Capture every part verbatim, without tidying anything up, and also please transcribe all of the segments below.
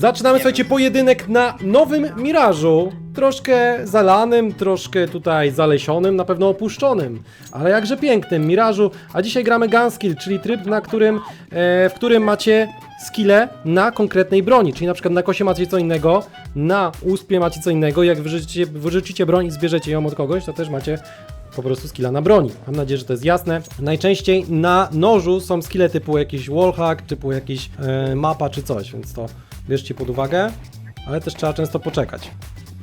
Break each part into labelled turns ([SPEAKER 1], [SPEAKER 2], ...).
[SPEAKER 1] Zaczynamy,
[SPEAKER 2] Nie
[SPEAKER 1] słuchajcie,
[SPEAKER 2] wiem.
[SPEAKER 1] pojedynek na nowym Mirażu. Troszkę zalanym, troszkę tutaj zalesionym, na pewno opuszczonym, ale jakże pięknym Mirażu. A dzisiaj gramy Gunskill, czyli tryb, na którym, e, w którym macie skille na konkretnej broni. Czyli na przykład na kosie macie co innego, na uspie macie co innego. Jak wyrzucicie, wyrzucicie broń i zbierzecie ją od kogoś, to też macie po prostu skilla na broni. Mam nadzieję, że to jest jasne. Najczęściej na nożu są skille typu jakiś wallhack, typu jakiś e, mapa czy coś, więc to bierzcie pod uwagę, ale też trzeba często poczekać.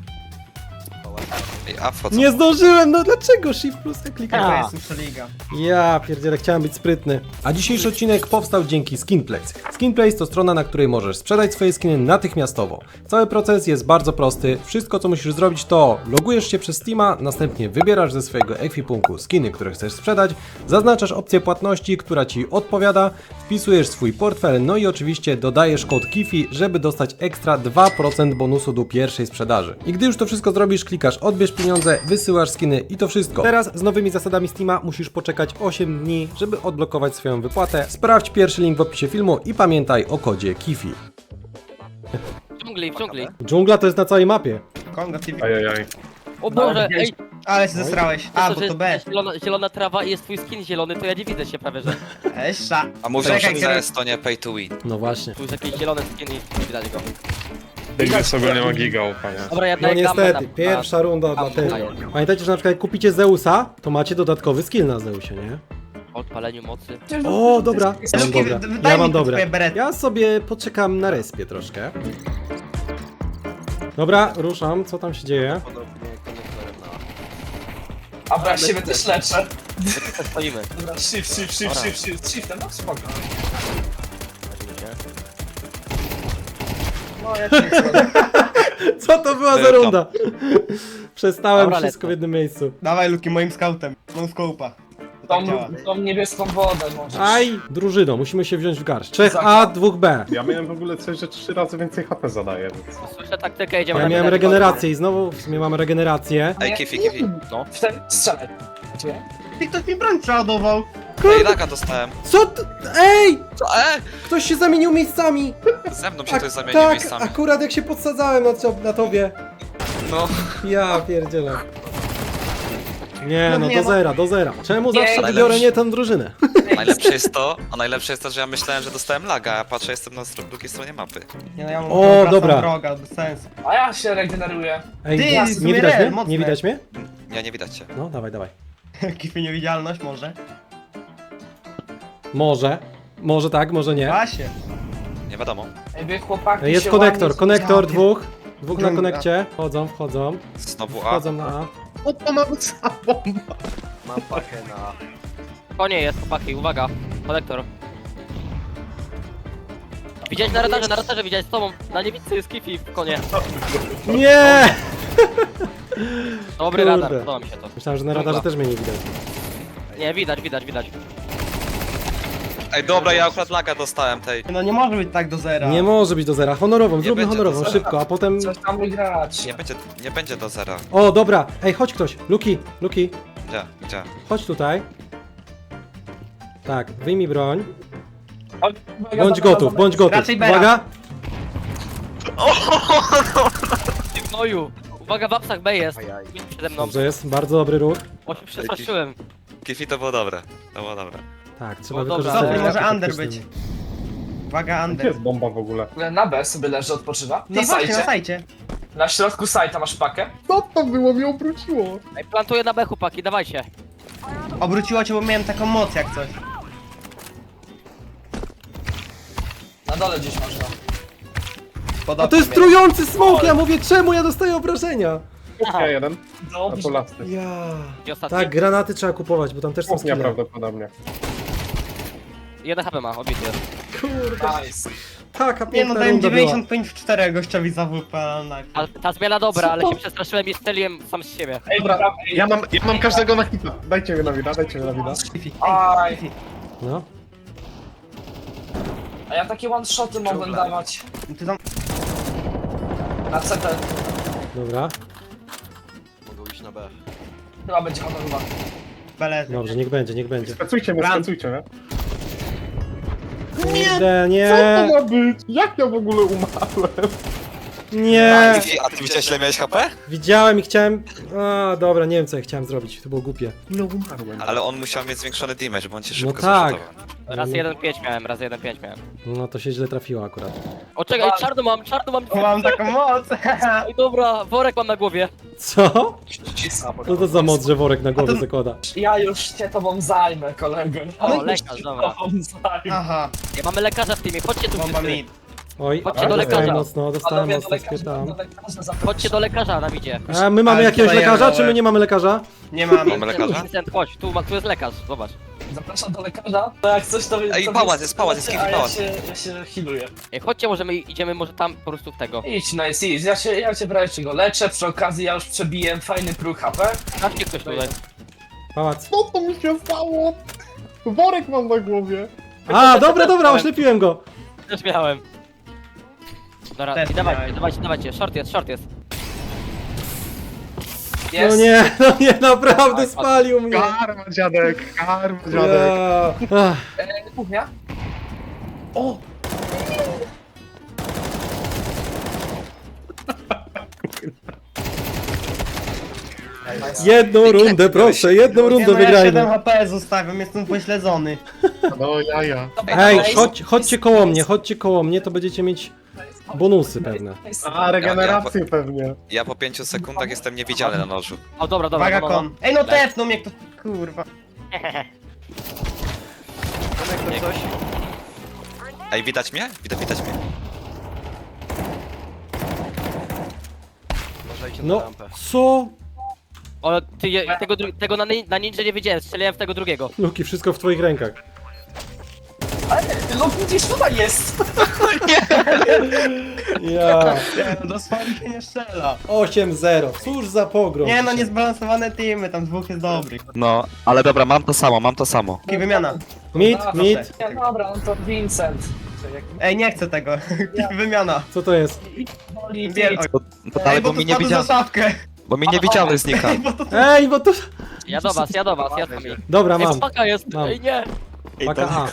[SPEAKER 3] Ej, a wchodzą.
[SPEAKER 1] Nie zdążyłem, no dlaczego? Shift plus ja klikam.
[SPEAKER 2] To jest Superliga.
[SPEAKER 1] Ja pierdzielę, chciałem być sprytny. A dzisiejszy odcinek powstał dzięki Skinplace. Skinplace to strona, na której możesz sprzedać swoje skiny natychmiastowo. Cały proces jest bardzo prosty. Wszystko, co musisz zrobić, to logujesz się przez Steama, następnie wybierasz ze swojego ekwipunku skiny, które chcesz sprzedać, zaznaczasz opcję płatności, która Ci odpowiada, wpisujesz swój portfel, no i oczywiście dodajesz kod Kifi, żeby dostać ekstra dwa procent bonusu do pierwszej sprzedaży. I gdy już to wszystko zrobisz, klikasz odbierz pieniądze, wysyłasz skiny i to wszystko. Teraz z nowymi zasadami Steama musisz poczekać osiem dni, żeby odblokować swoją wypłatę. Sprawdź pierwszy link w opisie filmu i pamiętaj o kodzie Kifi.
[SPEAKER 4] W dżungli, w dżungli.
[SPEAKER 1] Dżungla to jest na całej mapie.
[SPEAKER 2] Kongo T V.
[SPEAKER 5] Ajajaj.
[SPEAKER 4] O Boże, ej!
[SPEAKER 2] Ale się zesrałeś. A,
[SPEAKER 4] to,
[SPEAKER 2] bo
[SPEAKER 4] że
[SPEAKER 2] to B.
[SPEAKER 4] jest zielona, zielona trawa i jest twój skin zielony, to ja nie widzę się prawie, że
[SPEAKER 2] Esza.
[SPEAKER 3] A mówią,
[SPEAKER 2] Czekaj,
[SPEAKER 3] że
[SPEAKER 2] kiedy-
[SPEAKER 3] C S to nie pay to win.
[SPEAKER 1] No właśnie.
[SPEAKER 4] tu jest jakiś zielony skin i nie widać go.
[SPEAKER 5] Tej sobie nie ma giga ufania.
[SPEAKER 4] Dobra, ja
[SPEAKER 1] No
[SPEAKER 4] daję gamę
[SPEAKER 1] niestety,
[SPEAKER 4] na-
[SPEAKER 1] pierwsza runda dla
[SPEAKER 4] na-
[SPEAKER 1] tego.
[SPEAKER 4] daję.
[SPEAKER 1] Pamiętajcie, że na przykład jak kupicie Zeusa, to macie dodatkowy skill na Zeusie, nie?
[SPEAKER 4] O odpaleniu mocy.
[SPEAKER 1] O, dobra. Ja mam
[SPEAKER 2] Luki,
[SPEAKER 1] dobre.
[SPEAKER 2] daj
[SPEAKER 1] Ja
[SPEAKER 2] mi
[SPEAKER 1] mam
[SPEAKER 2] te
[SPEAKER 1] dobre.
[SPEAKER 2] twoje berety.
[SPEAKER 1] Ja sobie poczekam na respie troszkę. Dobra, ruszam. Co tam się dzieje?
[SPEAKER 6] A bo ja siebie też leczę.
[SPEAKER 4] My tu stoimy.
[SPEAKER 6] Dobra, shift, shift, shift,
[SPEAKER 4] Dobra.
[SPEAKER 6] shift, shift, shiftem, no spoko. No ja cię chcę.
[SPEAKER 1] Co to była za
[SPEAKER 3] Welcome.
[SPEAKER 1] runda? Przestałem
[SPEAKER 4] Dobra,
[SPEAKER 1] wszystko w
[SPEAKER 4] lecę.
[SPEAKER 1] jednym miejscu.
[SPEAKER 2] Dawaj Luki moim scoutem. No scope'a. To tak
[SPEAKER 6] Tą,
[SPEAKER 2] działa.
[SPEAKER 6] tą niebieską wodę możesz.
[SPEAKER 1] Aj, drużyno, musimy się wziąć w garść. trzech A,
[SPEAKER 6] Zakład.
[SPEAKER 1] dwóch B.
[SPEAKER 5] Ja miałem w ogóle coś, że trzy razy więcej H P zadaję, więc...
[SPEAKER 4] Słyszę taktykę, idziemy
[SPEAKER 1] Ja
[SPEAKER 4] na
[SPEAKER 1] miałem
[SPEAKER 4] midem.
[SPEAKER 1] regenerację i znowu w sumie mamy regenerację.
[SPEAKER 3] Ej, Kifi, Kifi.
[SPEAKER 6] Wtedy strzelaj. Gdzie?
[SPEAKER 2] Ty ktoś mi broń przeładował.
[SPEAKER 3] Ej, laga dostałem.
[SPEAKER 1] Co t- Ej!
[SPEAKER 3] Co? E?
[SPEAKER 1] Ktoś się zamienił miejscami!
[SPEAKER 3] Ze mną się
[SPEAKER 1] Ak-
[SPEAKER 3] ktoś zamienił
[SPEAKER 1] tak,
[SPEAKER 3] miejscami.
[SPEAKER 1] akurat jak się podsadzałem na, cio- na tobie.
[SPEAKER 3] No.
[SPEAKER 1] Ja pierdzielę. Nie,
[SPEAKER 2] No
[SPEAKER 1] no
[SPEAKER 2] nie,
[SPEAKER 1] do
[SPEAKER 2] no.
[SPEAKER 1] zera, do zera. Czemu
[SPEAKER 6] Nie,
[SPEAKER 1] zawsze
[SPEAKER 3] najlepszy.
[SPEAKER 1] wybiorę nie tę drużynę?
[SPEAKER 3] Najlepsze jest to, a najlepsze jest to, że ja myślałem, że dostałem laga, a patrzę, jestem na stro- drugiej stronie mapy.
[SPEAKER 2] Nie no, ja mam
[SPEAKER 1] O,
[SPEAKER 2] wracam
[SPEAKER 1] dobra.
[SPEAKER 2] droga, bez sensu.
[SPEAKER 6] A ja się regeneruję.
[SPEAKER 1] Ej,
[SPEAKER 2] Ty,
[SPEAKER 1] nie,
[SPEAKER 2] jest
[SPEAKER 1] nie widać
[SPEAKER 2] real,
[SPEAKER 1] mnie?
[SPEAKER 2] mocne.
[SPEAKER 1] Nie widać mnie?
[SPEAKER 3] Ja nie widać cię.
[SPEAKER 1] No, dawaj, dawaj.
[SPEAKER 2] Kify niewidzialność może.
[SPEAKER 1] Może. Może tak, może nie.
[SPEAKER 2] Właśnie.
[SPEAKER 3] Nie wiadomo.
[SPEAKER 6] Ej, wy chłopaki
[SPEAKER 1] Ej, Jest
[SPEAKER 6] się
[SPEAKER 1] konektor,
[SPEAKER 6] ładnie
[SPEAKER 1] konektor
[SPEAKER 2] Ja
[SPEAKER 1] dwóch. Dwóch na
[SPEAKER 2] Dżungla.
[SPEAKER 1] konekcie. Wchodzą, wchodzą.
[SPEAKER 3] Znowu A.
[SPEAKER 1] Wchodzą na A.
[SPEAKER 2] O, to mam samą.
[SPEAKER 3] Mam pakę na...
[SPEAKER 4] Konie jest, chłopaki, uwaga. Konektor. Widziałeś na radarze, na radarze widziałeś z tobą. Na niewidce jest Kifi w konie.
[SPEAKER 1] Nie!
[SPEAKER 4] Dobry
[SPEAKER 1] Kurde.
[SPEAKER 4] radar, podoba mi się to.
[SPEAKER 1] Myślałem, że na radarze też mnie nie widać.
[SPEAKER 4] Nie, widać, widać, widać.
[SPEAKER 3] Ej, dobra, ja akurat laga dostałem tej.
[SPEAKER 2] No nie może być tak do zera.
[SPEAKER 1] Nie może być do zera. Honorową, zróbmy
[SPEAKER 3] będzie do
[SPEAKER 1] honorową,
[SPEAKER 3] zera.
[SPEAKER 1] szybko, a potem...
[SPEAKER 6] Coś tam wygrać.
[SPEAKER 3] Nie będzie, nie będzie do zera.
[SPEAKER 1] O, dobra. Ej, chodź ktoś. Luki, Luki,
[SPEAKER 3] Gdzie? Gdzie?
[SPEAKER 1] chodź tutaj. Tak, wyjmij broń.
[SPEAKER 6] Oj, uwaga,
[SPEAKER 1] Bądź
[SPEAKER 6] dobra,
[SPEAKER 1] gotów,
[SPEAKER 6] dobra.
[SPEAKER 1] bądź gotów.
[SPEAKER 2] Raczej Bera.
[SPEAKER 1] Uwaga.
[SPEAKER 4] Ty gnoju. Uwaga, w apsach B jest. Przede mną.
[SPEAKER 1] Dobrze jest, bardzo dobry ruch.
[SPEAKER 4] O, się przestraszyłem.
[SPEAKER 3] Kifi to było dobre. To było dobre.
[SPEAKER 1] Tak, trzeba
[SPEAKER 4] O, dobra.
[SPEAKER 1] wykorzystać.
[SPEAKER 2] Dobry, może
[SPEAKER 1] ataki
[SPEAKER 2] under
[SPEAKER 1] taktyczne.
[SPEAKER 2] być. Uwaga,
[SPEAKER 5] Gdzie
[SPEAKER 2] under.
[SPEAKER 5] jest bomba w ogóle?
[SPEAKER 6] Na B sobie leży, odpoczywa.
[SPEAKER 2] Ty
[SPEAKER 6] Na
[SPEAKER 2] właśnie, na
[SPEAKER 6] sajcie.
[SPEAKER 2] sajcie.
[SPEAKER 6] Na środku sajta masz pakę.
[SPEAKER 5] Co to było? Mnie obróciło.
[SPEAKER 4] Ej, plantuję na B, chłopaki, dawajcie.
[SPEAKER 2] Obróciło cię, bo miałem taką moc jak coś.
[SPEAKER 6] Na dole gdzieś masz go.
[SPEAKER 2] Podobno
[SPEAKER 1] A to jest
[SPEAKER 2] mnie.
[SPEAKER 1] trujący smok, ja mówię, czemu ja dostaję obrażenia?
[SPEAKER 5] Ja jeden, a
[SPEAKER 6] Dobrze.
[SPEAKER 5] to lasty.
[SPEAKER 1] Ja.
[SPEAKER 4] I ostatni.
[SPEAKER 1] Tak, granaty trzeba kupować, bo tam też są
[SPEAKER 5] Kuchnia
[SPEAKER 1] skille.
[SPEAKER 5] prawdopodobnie.
[SPEAKER 4] Jeden H P ma, obity jest.
[SPEAKER 1] Kurde,
[SPEAKER 6] Nice.
[SPEAKER 1] taka
[SPEAKER 2] Nie no,
[SPEAKER 1] piękna
[SPEAKER 2] dałem
[SPEAKER 1] runda była.
[SPEAKER 2] dziewięćdziesiąt pięć w cztery gościowi za W P na...
[SPEAKER 4] A ta zmiana dobra, ale się przestraszyłem i strzeliłem sam z siebie.
[SPEAKER 6] Ej, dobra. Ej,
[SPEAKER 5] Ja mam, ja mam każdego na hita. Dajcie mi na wida, dajcie mi na wida.
[SPEAKER 2] Kifi,
[SPEAKER 6] Aj.
[SPEAKER 2] ej, Kifi.
[SPEAKER 1] No.
[SPEAKER 6] A ja takie one-shoty mogłem dawać.
[SPEAKER 2] Ty tam...
[SPEAKER 6] Na C T.
[SPEAKER 1] Dobra,
[SPEAKER 3] Mogą iść na B.
[SPEAKER 6] Chyba będzie honorowa.
[SPEAKER 2] Belezy.
[SPEAKER 1] dobrze, niech będzie, niech będzie.
[SPEAKER 5] Specujcie mnie,
[SPEAKER 2] Bram.
[SPEAKER 5] specujcie mnie.
[SPEAKER 1] Kurde,
[SPEAKER 5] Co
[SPEAKER 1] nie,
[SPEAKER 5] to ma być? Jak ja w ogóle umarłem?
[SPEAKER 1] nie.
[SPEAKER 3] Kifi, a ty widziałeś ile miałeś H P?
[SPEAKER 1] Widziałem i chciałem... A, dobra, nie wiem co ja chciałem zrobić, to było głupie.
[SPEAKER 5] Ile umarłem?
[SPEAKER 3] Ale on musiał mieć zwiększony damage, bo on cię szybko
[SPEAKER 1] No tak.
[SPEAKER 3] zrzutował.
[SPEAKER 4] Raz jeden pięć miałem, raz jeden pięć miałem.
[SPEAKER 1] No to się źle trafiło akurat.
[SPEAKER 4] O czekaj, czarno mam, czarno mam.
[SPEAKER 2] O, mam taką moc.
[SPEAKER 4] Ej, dobra, worek mam na głowie.
[SPEAKER 1] Co? Co to za moc, że worek na głowę
[SPEAKER 2] A to-
[SPEAKER 1] zakłada?
[SPEAKER 6] Ja już się tobą zajmę, kolego.
[SPEAKER 4] O,
[SPEAKER 6] Ja już
[SPEAKER 4] lekarz,
[SPEAKER 6] się
[SPEAKER 4] dobra.
[SPEAKER 6] tobą zajmę.
[SPEAKER 2] Aha,
[SPEAKER 4] Nie mamy lekarza w teamie, chodźcie tu
[SPEAKER 2] bomba
[SPEAKER 4] wszyscy.
[SPEAKER 2] mid.
[SPEAKER 1] Oj,
[SPEAKER 4] Chodźcie do
[SPEAKER 1] dostałem
[SPEAKER 4] lekarza.
[SPEAKER 1] mocno, dostałem
[SPEAKER 6] Panowie, do
[SPEAKER 1] mocno,
[SPEAKER 6] lekarza,
[SPEAKER 1] spytam.
[SPEAKER 6] do lekarza zapraszam.
[SPEAKER 4] Chodźcie do lekarza, nam idzie.
[SPEAKER 1] A my mamy
[SPEAKER 2] Ale
[SPEAKER 1] jakiegoś
[SPEAKER 2] tutaj
[SPEAKER 1] lekarza,
[SPEAKER 2] ja
[SPEAKER 1] czy my nie mamy lekarza?
[SPEAKER 2] Nie mamy.
[SPEAKER 3] Mamy lekarza?
[SPEAKER 4] Vincent, chodź, tu, ma- tu jest lekarz, zobacz.
[SPEAKER 6] Zapraszam do lekarza. To jak coś to...
[SPEAKER 3] Ej,
[SPEAKER 6] to
[SPEAKER 3] pałac
[SPEAKER 6] wy-
[SPEAKER 3] jest, pałac jest,
[SPEAKER 6] a
[SPEAKER 3] Kiwi,
[SPEAKER 6] ja
[SPEAKER 3] pałac.
[SPEAKER 6] się, ja się healuję.
[SPEAKER 4] Ej, chodźcie, może my idziemy może tam po prostu w tego.
[SPEAKER 6] Idź, nice, idź. Ja się, ja cię prawie czego leczę, przy okazji ja już przebiłem fajny próg H P.
[SPEAKER 4] Sprawdźcie ktoś tutaj.
[SPEAKER 1] Pałac.
[SPEAKER 5] Co to mi się stało? Worek mam na głowie.
[SPEAKER 1] A, dobra, dobra, oślepiłem go.
[SPEAKER 4] Też miałem. Dobra,
[SPEAKER 2] Też
[SPEAKER 4] i dawajcie,
[SPEAKER 2] miałem.
[SPEAKER 4] dawajcie, dawajcie, short jest, short jest.
[SPEAKER 1] No
[SPEAKER 6] Jest.
[SPEAKER 1] nie, no nie, naprawdę spalił mnie.
[SPEAKER 5] Karma, dziadek, karma, dziadek.
[SPEAKER 1] Ja. Ach,
[SPEAKER 6] E, kuchnia?
[SPEAKER 5] O!
[SPEAKER 1] Jedną rundę, proszę, jedną
[SPEAKER 2] Nie
[SPEAKER 1] rundę
[SPEAKER 2] no, ja siedem
[SPEAKER 1] wygrajmy.
[SPEAKER 2] H P zostawiam, jestem pośledzony.
[SPEAKER 5] No jaja.
[SPEAKER 1] Ej,
[SPEAKER 6] Nice.
[SPEAKER 1] chodź, chodźcie koło mnie, chodźcie koło mnie, to będziecie mieć bonusy pewne.
[SPEAKER 6] Nice.
[SPEAKER 5] A, regenerację pewnie.
[SPEAKER 3] Ja po pięciu sekundach jestem niewidzialny na nożu.
[SPEAKER 4] O, dobra, dobra,
[SPEAKER 2] Uwaga
[SPEAKER 4] no, no, no.
[SPEAKER 2] kon. Ej no tepnął mnie kto... Kurwa.
[SPEAKER 4] Nie, ktoś.
[SPEAKER 3] Ej, widać mnie? Widać, widać mnie.
[SPEAKER 1] No, co?
[SPEAKER 4] O, ty, je- tego, dru- tego na, nin- na ninja nie wiedziałem, strzeliłem w tego drugiego.
[SPEAKER 1] Luki, wszystko w twoich rękach.
[SPEAKER 6] No gdzieś tutaj jest!
[SPEAKER 1] Ja.
[SPEAKER 2] Nie, no dosłownie się nie strzela.
[SPEAKER 1] osiem zero, cóż za pogrom.
[SPEAKER 2] Nie no,
[SPEAKER 1] dzisiaj.
[SPEAKER 2] niezbalansowane teamy, tam dwóch jest dobrych.
[SPEAKER 3] No, ale dobra, mam to samo, mam to samo.
[SPEAKER 2] Taki wymiana.
[SPEAKER 1] Mid,
[SPEAKER 6] Dobra,
[SPEAKER 1] mid,
[SPEAKER 6] Nie, dobra, no to Vincent.
[SPEAKER 2] Ej, nie chcę tego. Wymiana.
[SPEAKER 1] co to jest?
[SPEAKER 6] Boli,
[SPEAKER 2] Biel... Oj.
[SPEAKER 3] No
[SPEAKER 2] Ej,
[SPEAKER 3] dalej,
[SPEAKER 2] bo
[SPEAKER 3] bo
[SPEAKER 2] to
[SPEAKER 3] mi nie
[SPEAKER 2] spadł za
[SPEAKER 3] widział,
[SPEAKER 2] szafkę.
[SPEAKER 3] bo mi nie widzialny znika.
[SPEAKER 1] Ej, bo to...
[SPEAKER 4] Ja do was, ja do was, ja z wami.
[SPEAKER 1] Dobra,
[SPEAKER 4] Ej,
[SPEAKER 1] mam.
[SPEAKER 4] paka jest,
[SPEAKER 1] Mam.
[SPEAKER 4] ej nie.
[SPEAKER 1] Paka A.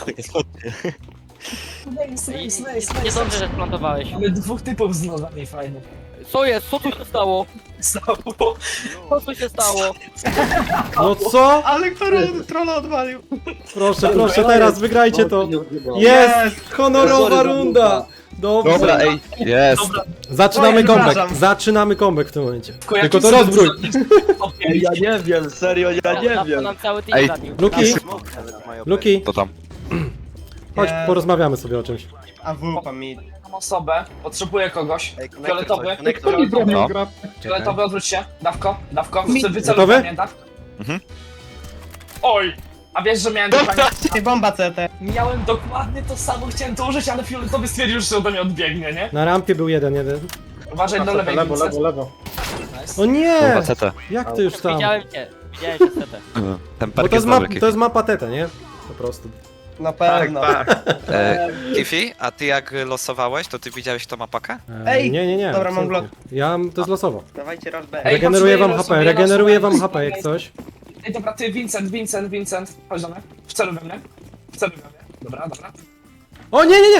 [SPEAKER 6] Nice,
[SPEAKER 4] Ej,
[SPEAKER 6] nice, nice,
[SPEAKER 4] nie
[SPEAKER 6] nice.
[SPEAKER 4] dobrze, że splantowałeś.
[SPEAKER 6] Mamy dwóch typów z nogami fajnych.
[SPEAKER 4] Co jest? Co tu się stało?
[SPEAKER 6] Stało.
[SPEAKER 4] Co tu się stało?
[SPEAKER 1] No co?
[SPEAKER 2] Ale który trolla odwalił.
[SPEAKER 1] Proszę, proszę, teraz wygrajcie to. Jest! Honorowa runda! Dobrze.
[SPEAKER 3] Dobra, ej, jest.
[SPEAKER 1] Zaczynamy
[SPEAKER 2] Oj,
[SPEAKER 1] comeback.
[SPEAKER 2] przepraszam.
[SPEAKER 1] Zaczynamy comeback w tym momencie.
[SPEAKER 6] Tylko
[SPEAKER 1] Tylko
[SPEAKER 6] jaki
[SPEAKER 1] to
[SPEAKER 6] sobie
[SPEAKER 1] rozbrój.
[SPEAKER 6] Okej,
[SPEAKER 7] Ja nie wiem, serio, ja nie
[SPEAKER 4] Na-
[SPEAKER 7] wiem.
[SPEAKER 4] nam cały team
[SPEAKER 3] Ej.
[SPEAKER 4] zabił.
[SPEAKER 1] Luki, Luki,
[SPEAKER 3] To tam.
[SPEAKER 1] chodź,
[SPEAKER 2] Nie.
[SPEAKER 1] porozmawiamy sobie o czymś.
[SPEAKER 2] A wupa mid.
[SPEAKER 6] mam osobę, potrzebuję kogoś.
[SPEAKER 7] Ej, konektor
[SPEAKER 6] Fioletowy.
[SPEAKER 7] coś, konektor.
[SPEAKER 5] Kto mi bronił
[SPEAKER 3] No.
[SPEAKER 5] gra?
[SPEAKER 6] Fioletowy, odwróć się. Dawko, dawko. Chcę wyceluj
[SPEAKER 1] Gotowy?
[SPEAKER 6] we mnie, dawko.
[SPEAKER 3] Mhm.
[SPEAKER 6] Oj! A wiesz, że miałem dokładnie...
[SPEAKER 2] Ej, bomba C T.
[SPEAKER 6] Miałem dokładnie to samo, chciałem to użyć, ale fioletowy stwierdził, że ode mnie odbiegnie, nie?
[SPEAKER 1] Na rampie był jeden, jeden.
[SPEAKER 6] Uważaj do lewej,
[SPEAKER 5] Lewo,
[SPEAKER 6] Vincent.
[SPEAKER 5] lewo, lewo.
[SPEAKER 6] Nice.
[SPEAKER 1] O nie!
[SPEAKER 3] Kurwa, C T.
[SPEAKER 1] Jak ty już tam?
[SPEAKER 4] Widziałem cię, widziałem cię setę.
[SPEAKER 3] Ten
[SPEAKER 1] Bo
[SPEAKER 3] perk
[SPEAKER 1] to
[SPEAKER 3] jest
[SPEAKER 1] jest, ma,
[SPEAKER 3] dobry,
[SPEAKER 1] to jest mapa tete, nie? Po prostu.
[SPEAKER 2] Na pewno.
[SPEAKER 3] E, Kifi, a ty jak losowałeś, to ty widziałeś kto ma pakę?
[SPEAKER 1] E,
[SPEAKER 2] Ej,
[SPEAKER 1] nie, nie, nie.
[SPEAKER 2] dobra, mam
[SPEAKER 1] absolutnie. Ja, to jest losowo.
[SPEAKER 2] Dawajcie rush B.
[SPEAKER 6] Ej,
[SPEAKER 1] Regeneruję wam
[SPEAKER 6] patrz,
[SPEAKER 1] H P,
[SPEAKER 6] losuję,
[SPEAKER 1] regeneruję
[SPEAKER 6] losuję.
[SPEAKER 1] wam H P jak coś.
[SPEAKER 6] Ej, dobra, ty, Vincent, Vincent, Vincent. Chodź do mnie. Wceluj we mnie. Wceluj we mnie. Dobra, dobra.
[SPEAKER 1] O nie, nie, nie!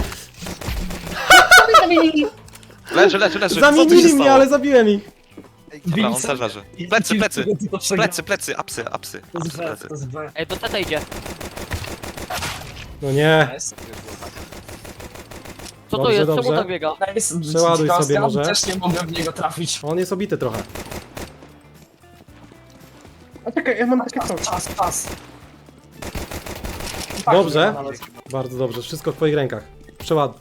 [SPEAKER 3] Leży, leży, leży. Co tu się
[SPEAKER 1] Zamienili mnie,
[SPEAKER 3] stało?
[SPEAKER 1] ale zabiłem ich.
[SPEAKER 3] Dobra, on też leży. Plecy, plecy. Plecy, plecy, apsy, apsy.
[SPEAKER 6] To
[SPEAKER 3] Apsy,
[SPEAKER 6] jest B,
[SPEAKER 3] plecy.
[SPEAKER 6] to jest B.
[SPEAKER 4] Ej, to setę idzie.
[SPEAKER 1] No nie.
[SPEAKER 6] Nice.
[SPEAKER 4] Co to
[SPEAKER 1] Dobrze,
[SPEAKER 4] jest? Czemu
[SPEAKER 1] dobrze.
[SPEAKER 4] tak biega?
[SPEAKER 6] Nice.
[SPEAKER 1] Przeładuj sobie
[SPEAKER 6] Sebastian,
[SPEAKER 1] może.
[SPEAKER 6] Też nie mogę w niego trafić.
[SPEAKER 1] On jest obity trochę.
[SPEAKER 5] A czekaj, ja mam takie
[SPEAKER 6] Czas,
[SPEAKER 5] coś.
[SPEAKER 6] czas, czas.
[SPEAKER 1] Dobrze.
[SPEAKER 6] Tak, nawet.
[SPEAKER 1] Bardzo dobrze, wszystko w twoich rękach. Przeładuj.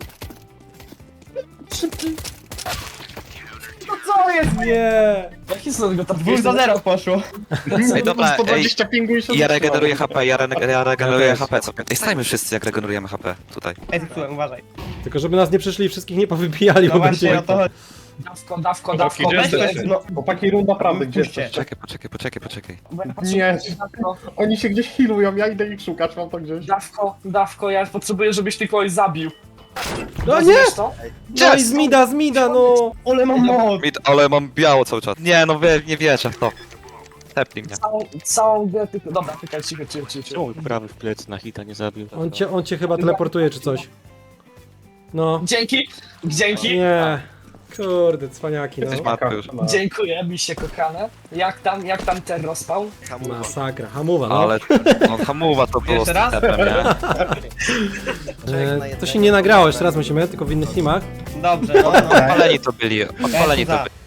[SPEAKER 2] Co jest?
[SPEAKER 1] Nie.
[SPEAKER 6] Jaki są tego
[SPEAKER 2] Dwóch
[SPEAKER 6] trafiłeś?
[SPEAKER 2] za zero poszło.
[SPEAKER 3] Ej, dobra,
[SPEAKER 5] sto
[SPEAKER 3] ej.
[SPEAKER 5] dwadzieścia pingu i się
[SPEAKER 3] Ja
[SPEAKER 5] zatrzymałem.
[SPEAKER 3] regeneruję H P, ja, re ja regeneruję
[SPEAKER 1] też.
[SPEAKER 3] H P. Co? Ej, stajmy wszyscy jak regenerujemy H P tutaj.
[SPEAKER 2] Ej, zepsułem, uważaj.
[SPEAKER 1] Tylko żeby nas nie przyszli i wszystkich nie powybijali,
[SPEAKER 2] No
[SPEAKER 1] bo
[SPEAKER 2] właśnie
[SPEAKER 1] będzie...
[SPEAKER 2] o to chodzi.
[SPEAKER 6] Dawko, dawko,
[SPEAKER 5] Chłopaki,
[SPEAKER 6] dawko.
[SPEAKER 5] gdzie
[SPEAKER 6] Weź
[SPEAKER 5] jesteście?
[SPEAKER 6] weź,
[SPEAKER 2] No,
[SPEAKER 5] Chłopaki, runda prawdy, gdzie
[SPEAKER 2] Puśćcie.
[SPEAKER 5] jesteście?
[SPEAKER 3] Poczekaj, poczekaj, poczekaj, poczekaj.
[SPEAKER 6] bo ja patrzę,
[SPEAKER 5] Nie.
[SPEAKER 6] Dawko,
[SPEAKER 5] Oni się gdzieś healują, ja idę ich szukać, mam to gdzieś.
[SPEAKER 6] dawko, dawko, ja potrzebuję, żebyś ty kogoś zabił.
[SPEAKER 1] No nie!
[SPEAKER 6] Rozumiesz to?
[SPEAKER 1] No i z mida, z mida, no!
[SPEAKER 2] Ole mam moc.
[SPEAKER 3] Mid, ale mam biało cały czas. Nie, no wie, nie wierzę w to. Tepnij mnie.
[SPEAKER 6] Całą, całą grę tylko... Dobra, czekaj, cicho, cicho, cicho. cicho.
[SPEAKER 7] Czemu prawy w plecy na hita nie zabił?
[SPEAKER 1] On cię, on cię chyba teleportuje czy coś. No.
[SPEAKER 6] Dzięki, dzięki.
[SPEAKER 1] Nie. Kurde, cwaniaki,
[SPEAKER 3] Jesteś
[SPEAKER 1] no.
[SPEAKER 3] martwy już.
[SPEAKER 6] Dziękuję, miście kochane. Jak tam, jak tam ten rozpał?
[SPEAKER 1] Masakra, hamowa, no.
[SPEAKER 3] Ale no, hamuwa to było z
[SPEAKER 2] Jeszcze raz?
[SPEAKER 3] tepem, nie?
[SPEAKER 1] E, to się nie nagrało, jeszcze raz musimy, tylko w innych teamach.
[SPEAKER 2] Dobrze, no, no.
[SPEAKER 3] Odpaleni to byli, odpaleni to
[SPEAKER 2] za.
[SPEAKER 3] byli.